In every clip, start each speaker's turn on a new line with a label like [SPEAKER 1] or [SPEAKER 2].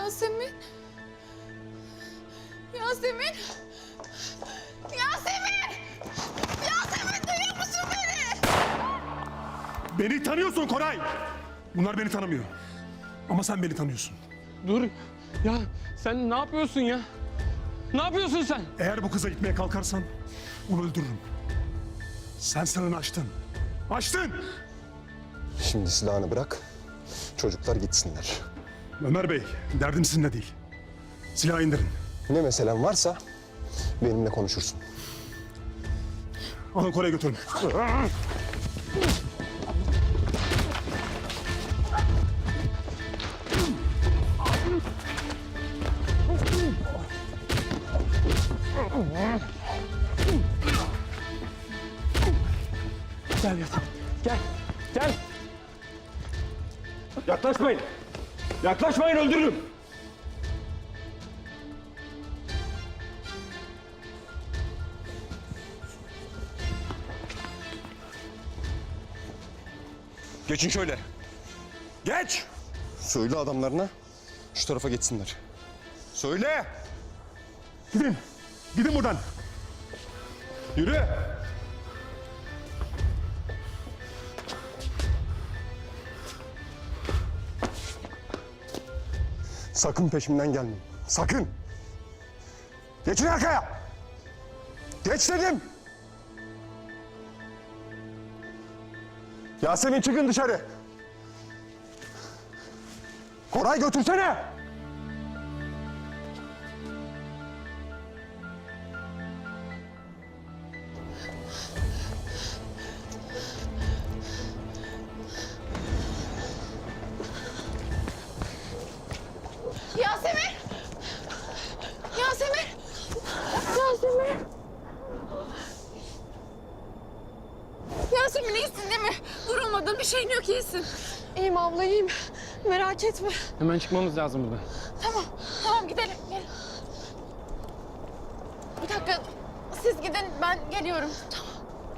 [SPEAKER 1] Yasemin. Yasemin. Yasemin! Yasemin duyuyor musun beni?
[SPEAKER 2] Beni tanıyorsun Koray. Bunlar beni tanımıyor. Ama sen beni tanıyorsun.
[SPEAKER 3] Dur. Ya sen ne yapıyorsun ya? Ne yapıyorsun sen?
[SPEAKER 2] Eğer bu kıza gitmeye kalkarsan onu öldürürüm. Sen sınırını aştın. Aştın!
[SPEAKER 4] Şimdi silahını bırak, çocuklar gitsinler.
[SPEAKER 2] Ömer Bey, derdim sizinle değil. Silahı indirin.
[SPEAKER 4] Ne meselen varsa benimle konuşursun.
[SPEAKER 2] Alın Koray'a götürün.
[SPEAKER 3] Gel Yasemin. Gel. Gel.
[SPEAKER 2] Yaklaşmayın! Yaklaşmayın, öldürürüm!
[SPEAKER 4] Geçin şöyle. Geç! Söyle adamlarına şu tarafa geçsinler. Söyle!
[SPEAKER 2] Gidin! Gidin buradan!
[SPEAKER 4] Yürü! Sakın peşimden gelmeyin. Sakın! Geçin arkaya! Geç dedim! Yasemin çıkın dışarı! Koray götürsene!
[SPEAKER 1] Yasemin! Yasemin! Yasemin! Yasemin iyisin değil mi? Vurulmadın, bir şeyin yok, iyisin.
[SPEAKER 5] İyiyim abla, iyiyim. Merak etme.
[SPEAKER 3] Hemen çıkmamız lazım buradan.
[SPEAKER 1] Tamam, tamam gidelim. Gel. Bir dakika, siz gidin, ben geliyorum. Tamam.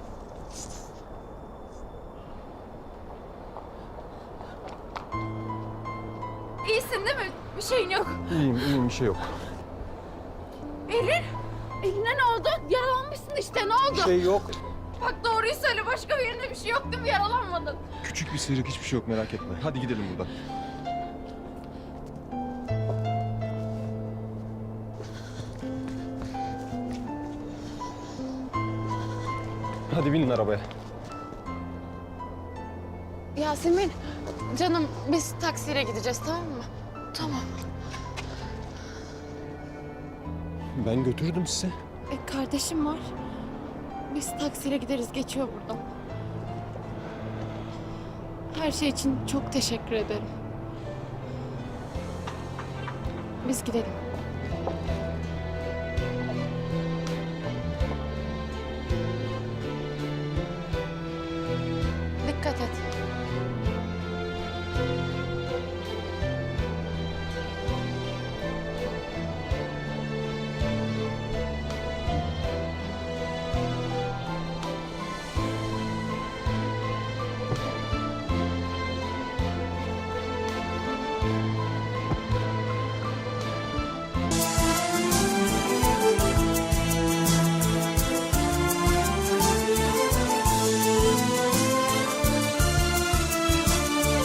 [SPEAKER 1] İyisin değil mi? Bir şeyin yok.
[SPEAKER 4] İyiyim bir şey yok.
[SPEAKER 1] Erin, eline ne oldu? Yaralanmışsın işte, ne oldu?
[SPEAKER 4] Bir şey yok.
[SPEAKER 1] Bak doğruyu söyle, başka bir yerinde bir şey yok değil mi? Yaralanmadın.
[SPEAKER 4] Küçük bir sıyrık, hiçbir şey yok, merak etme. Hadi gidelim buradan. Hadi binin arabaya.
[SPEAKER 1] Yasemin, canım biz taksiyle gideceğiz, tamam mı? Tamam.
[SPEAKER 4] Ben götürdüm sizi.
[SPEAKER 1] Kardeşim var. Biz taksiyle gideriz, geçiyor buradan. Her şey için çok teşekkür ederim. Biz gidelim. Dikkat et.